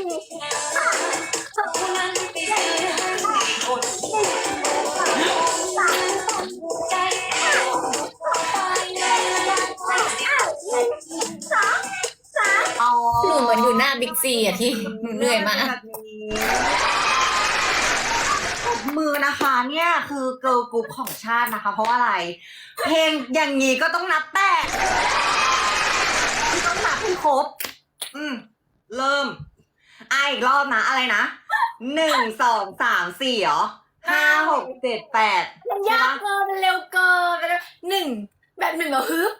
อ๋อหนูเหมือนอยู่หน้าบิ๊กซีอ่ะที่หนูเหนื่อยมากแบบนี้ปรบมือนะคะเนี่ยคือเกิร์ลกรุ๊ปของชาตินะคะ เพราะว่าอะไร เพลงอย่างนี้ก็ต้องนับแปดต้องนับให้ครบ เริ่มอีกรอบนะอะไรนะ1 2 3 4เหรอ5 6 7 8 มันยากเกินมันเร็วเกินหนึ่งแบบหนึ่งเหรอฮึบ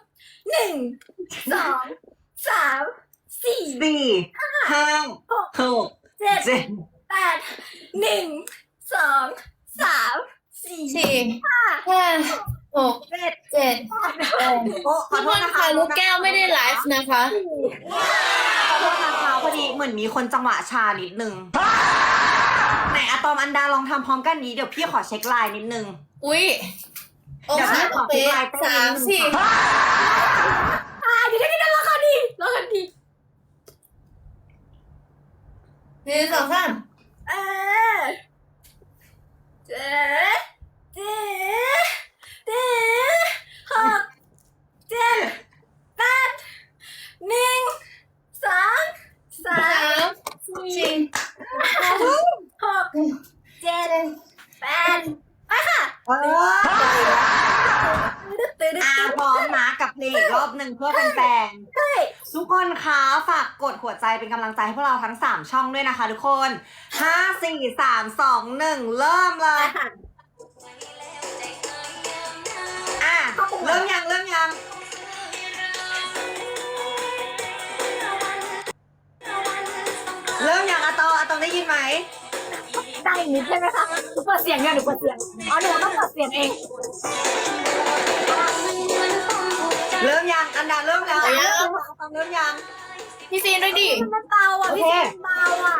1 2 3 4 4 5 6 7 7 8 1 2 3 4 4 5 6 7 7 โอ้ขอทุกโทคษนนะคะค่ะลูกแก้วไม่ได้ไลฟ์นะคะขอโทษนะคะพอดีเหมือนมีคนจังหวะชานิดนึงไหนอะตอมอันดาลองทำพร้อมกันนี้เดี๋ยวพี่ขอเช็คไลน์นิดนึงอุ๊ยโอ้เดี๋ยวค่ะพี่ขอเป๊ะไลน์เต้น 3 นิดนึง 4 เดี๋ยวได้ราคาดีราคาดี 1 2 3 เออเจ๊เจ๊เจ๊หกเจ็ดแปด1 2 3 4 3 6 7 8ไปค่ะพร้อมนะกับเพลงอีกรอบหนึ่งเพื่อแฟนๆทุกคนคะฝากกดหัวใจเป็นกำลังใจให้พวกเราทั้ง3ช่องด้วยนะคะทุกคน5 4 3 2 1เริ่มเลยเริ่มยังเริ่มยังอะตอมได้ยินไหมได้นิดใช่ไหมคะหนูเปิดเสียงเนี่ยหนูเปิดเสียงอ๋อหนูต้องเปิดเสียงเองเริ่มยังอันดาเริ่มแล้วเอายังตอมเริ่มยังพี่ซีนด้วยดิมันเบาอ่ะพี่ซีมันเบาอ่ะ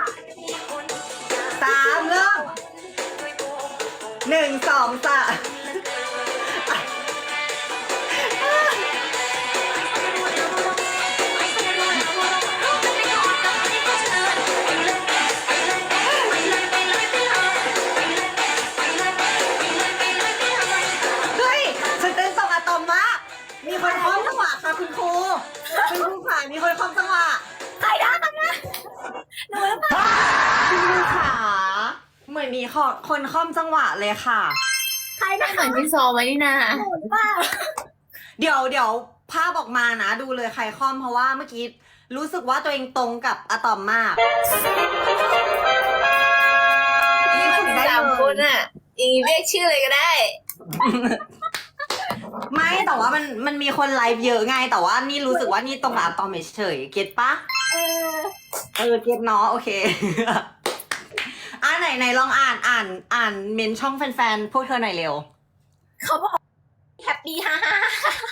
3เริ่ม1 2 3เฮ้ยฉันเต้นตรงอะตอมมากมีคนคล้องจังหวะค่ะคุณครูค่ะมีคนคล้องจังหวะใครได้กันนะหนูหรือเปล่าคุณครูขาเหมือนมีคนคล้องจังหวะเลยค่ะใครได้เหมือนที่ซอไว้นี่นาหนูหรือเปล่าเดี๋ยวภาพออกมานะดูเลยใครคล้องเพราะว่าเมื่อกี้รู้สึกว่าตัวเองตรงกับอะตอมมากนี่มันมี3 คนอ่ะอย่างนี้เรียกชื่อเลยก็ได้ไม่แต่ว่ามันมีคนไลฟ์เยอะไงแต่ว่านี่รู้สึกว่านี่ตรงกับอะตอมเฉยๆเก็ตปะเออเก็ตเนาะโอเค ไหนลองอ่านเมนช่องแฟนๆพวกเธอหน่อยเร็วเขาบอกแฮปปี้ฮ่าฮ่า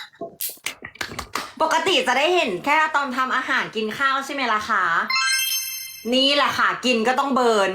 ปกติจะได้เห็นแค่ตอนทำอาหารกินข้าวใช่ไหมล่ะคะนี่แหละค่ะกินก็ต้องเบิร์น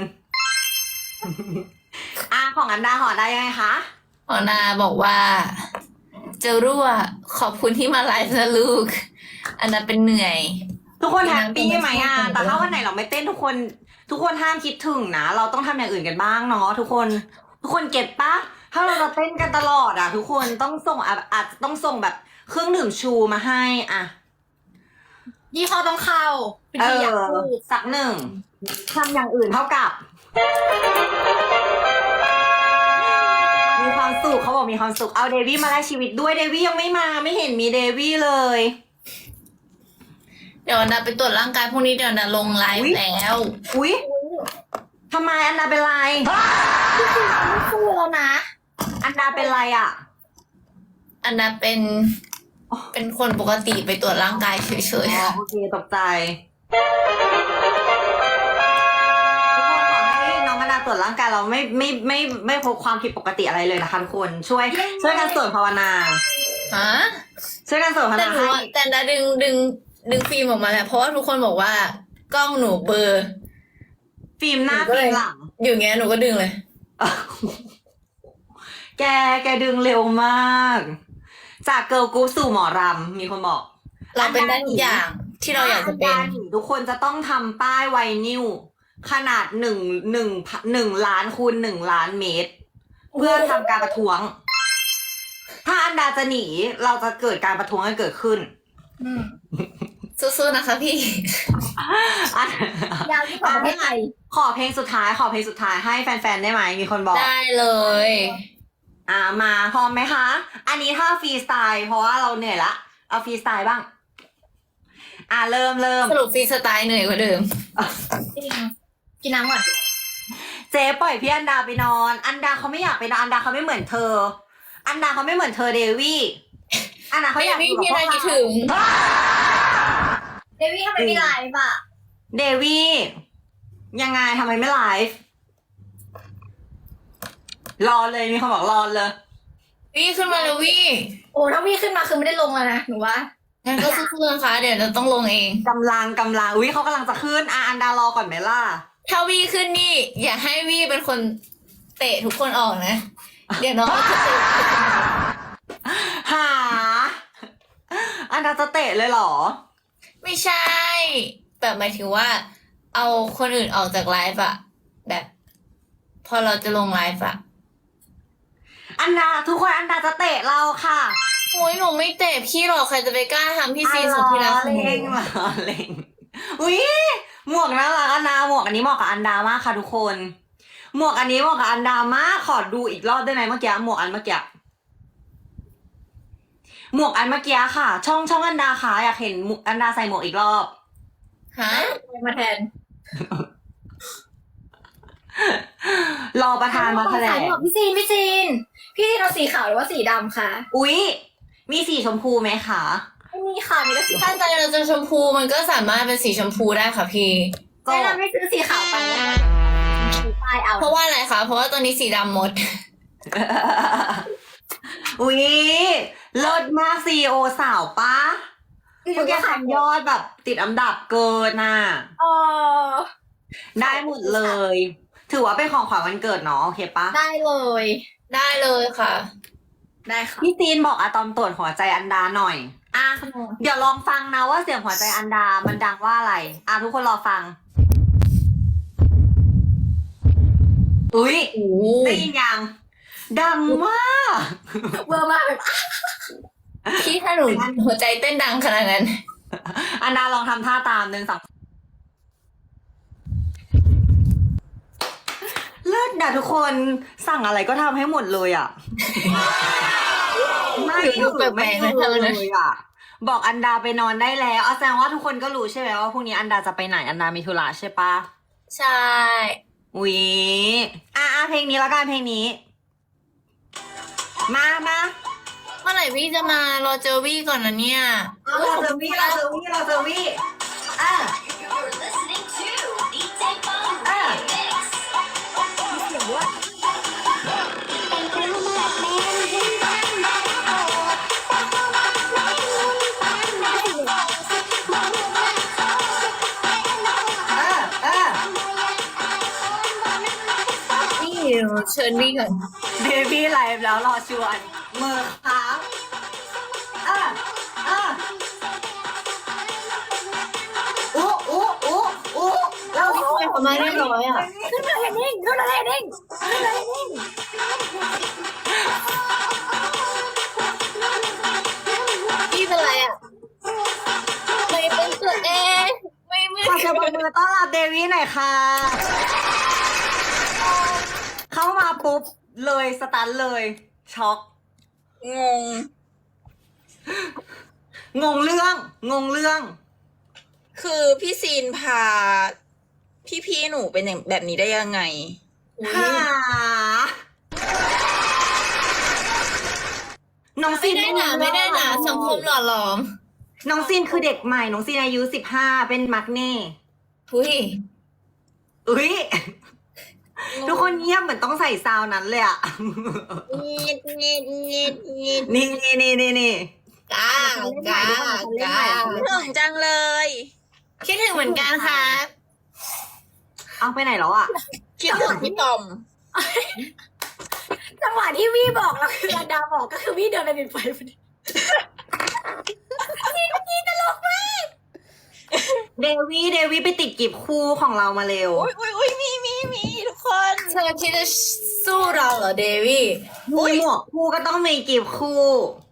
ของอันดาหอได้ยังไงคะหอนาบอกว่าเจะรั่วขอบคุณที่มาไลฟ์นะลูก อันนั้นเป็นเหนื่อยทุกคนแฮปปี้ไหมแต่ถ้าวันไหนเราไม่เต้นทุกคนห้ามคิดถึงนะเราต้องทำอย่างอื่นกันบ้างเนาะทุกคนเก็ตปะถ้าเราจะเต้นกันตลอดทุกคนต้องส่งอาจจะต้องส่งแบบเครื่องดื่มชูมาให้ยี่ห้อต้องเข้าเป็นที่อยากพูดสักหนึ่งทำอย่างอื่นเท่ากับ มีความสุขเขาบอกมีความสุขเอาเดวี่มาแลกชีวิตด้วยเดวี่ยังไม่มาไม่เห็นมีเดวี่เลยเดี๋ยวอันดาไปตรวจร่างกายพรุ่งนี้เดี๋ยวอันดาลงไลฟ์แล้วอุ๊ยทำไมอันดาเป็นไรไม่พูดแล้วนะอันดาเป็นไรอ่ะอันดาเป็นคนปกติไปตรวจร่างกายเฉยอ๋อโอเคตกใจทุกคนขอให้น้องอันดาตรวจร่างกายเราไม่พบความผิดปกติอะไรเลยนะคะทุกคนช่วยกันสวดภาวนาๆฮะช่วยกันสวดภาวแต่นาหนูให้แต่อันดาดึงดึงฟิล์มออกมาแล้วเพราะว่าทุกคนบอกว่ากล้องหนูเบลอร์ฟิล์มหน้าฟิล์มหลังอยู่เงี้ยหนูก็ดึงเลยแกดึงเร็วมาก จากเกิร์ลกรุ๊ปสู่หมอรำมีคนบอกเราเป็นได้ทุกอย่างที่เราอยากจะเป็นอันดาหนีทุกคนจะต้องทำป้ายไวนิลขนาด1 ล้านคูณ1 ล้านเมตร เพื่อทำการประท้วง ถ้าอันดาจะหนีเราจะเกิดการประท้วงกันเกิดขึ้นสู้ๆนะคะพี่ยาวที่สุดประเทศไทยขอเพลงสุดท้ายให้แฟนๆได้ไหมมีคนบอกได้เลยมาพร้อมไหมคะ อันนี้ถ้าฟรีสไตล์เพราะว่าเราเหนื่อยละเอาฟรีสไตล์บ้างเริ่มสรุปฟรีสไตล์เหนื่อยกว่าเดิมกินน้ำก่อนเจ๊ปล่อยพี่อันดาไปนอน อันดาเขาไม่อยากไปนอนอันดาเขาไม่เหมือนเธอ อันดาเขาไม่เหมือนเธอเดวี่อันดาเขาอยากอยู่กับพี่พวน่าก คิดเราถึงเดวี่ทำไมไม่ไลฟ์อ่ะเดวี่ยังไงทำไมไม่ไลฟ์รอเลยมีคนบอกรอเลยวี่ขึ้นมาเลยวี่โอ้ถ้าพี่ขึ้นมาคือไม่ได้ลงแล้วนะหนูว่างั้นก็สู้ๆนะคะเดี๋ยวเราต้องลงเองกำลังอุ้ยเขากำลังจะขึ้นอันดารอก่อนไหมล่ะถ้าวี่ขึ้นนี่ อย่าให้วี่เป็นคนเตะทุกคนออกนะ เดี๋ยวน้องจะเตะหาอันดาจะเตะเลยเหรอไม่ใช่แบบหมายถึงว่า เอาคนอื่นออกจากไลฟ์อะแบบ พอเราจะลงไลฟ์อะอันดาทุกคนอันดาจะเตะเราค่ะโอ้ยหนูไม่เตะพี่หรอกใครจะไปกล้าทำพี่ซีสุดที่รักของหนูเล่งเล่งอุ้ยหมวกน่ารักอันดาหมวกอันนี้เหมาะกับอันดามากค่ะทุกคน หมวกอันนี้เหมาะกับอันดามากขอดูอีกรอบได้ไหมเมื่อกี้หมวกอันเมื่อกี้หมวกอันเมื่อกี้ค่ะ ช่องอันดาค่ะอยากเห็นอันดาใส่หมวกอีกรอบฮะมาแทนรอประธานมาแถลงพี่ซีนพี่เอาสีขาวหรือว่าสีดำคะอุ๊ยมีสีชมพูไหมคะไม่มีค่ะมีแต่สีถ้าใจเราจะชมพูมันก็สามารถเป็นสีชมพูได้ค่ะพี่แนะนำให้ซื้อสีขาวไปแล้วสีป้ายเอาเพราะว่าอะไรคะเพราะว่าตอนนี้สีดำหมดอุ๊ยเลิศมากซีโอสาวปะเมื่อกี้ทำยอดแบบติดอันดับเกินน่ะเออได้หมดเลย ถือว่าเป็นของขวัญวันเกิดเนาะโอเคปะได้เลยได้เลยค่ะได้ค่ะพี่ตีนบอกอะตอมตรวจหัวใจอันดาหน่อยเดี๋ยวลองฟังนะว่าเสียงหัวใจอันดามันดังว่าอะไรทุกคนรอฟัง อุ๊ยได้ยินยังดังมากเวอร์มากแบบพี่ถ้าหนูหัวใจเต้นดังขนาดนั้นอันดาลองทำท่าตาม1 2เลิศนะทุกคนสั่งอะไรก็ทำให้หมดเลยอ่ะ ไม่ดูแปลกๆนะเธอเลนะยอ่ะ บอกอันดาไปนอนได้แล้วแสดงว่าทุกคนก็รู้ใช่ไหมว่าพรุ่งนี้อันดาจะไปไหนอันดามีธุระใช่ปะใช่อุ๊ยเพลงนี้แล้วกันเพลงนี้ มาเมื่อไหร่พี่จะมารอเจอวี่ก่อนนะเนี่ยเราเจอวี่อ่ะ You're listening to DJ Bone Remix. พี่เชิญวี่ก่อนเบบี้ไลฟ์แล้วรอชวนมือครับเราพี่ทำไมเขามาเรียบร้อยอ่ะขึ้นมาเด้งขึ้นมาเด้งพี่เป็นไรอ่ะไม่เป็นตัวเองไม่เหมือนขอเชิญปรบมือต้อนรับเดวี่หน่อยค่ะ เข้ามาปุ๊บเลยสตันเลย ช็อกงงงงเรื่องคือพี่ซีนพา พี่หนูเป็นอย่างแบบนี้ได้ยังไงหาน้องซีไม่นได้หนาสังคมหล่อหลอมน้องซีนคือเด็กใหม่น้องซีนอายุ15เป็นมักเน่หุ้ยอุ้ยทุกคนเงียบเหมือนต้องใส่ซาวนั้นเลยอ่ะเงียดนี่กากากาถึงจังเลยคิดถึงเหมือนกันครับเอาไปไหนแล้วอ่ะคิดถึงพี่ตอมจังหวะที่วี่บอกเราคืออันดาบอกก็คือวี่เดินไปเป็นไฟพอดีเดวี่ไปติดกีบคู่ของเรามาเร็วอุ้ยมีทุกคนเธอคิดจะสู้เราเหรอเดวี่หมวกคู่ก็ต้องมีกีบคู่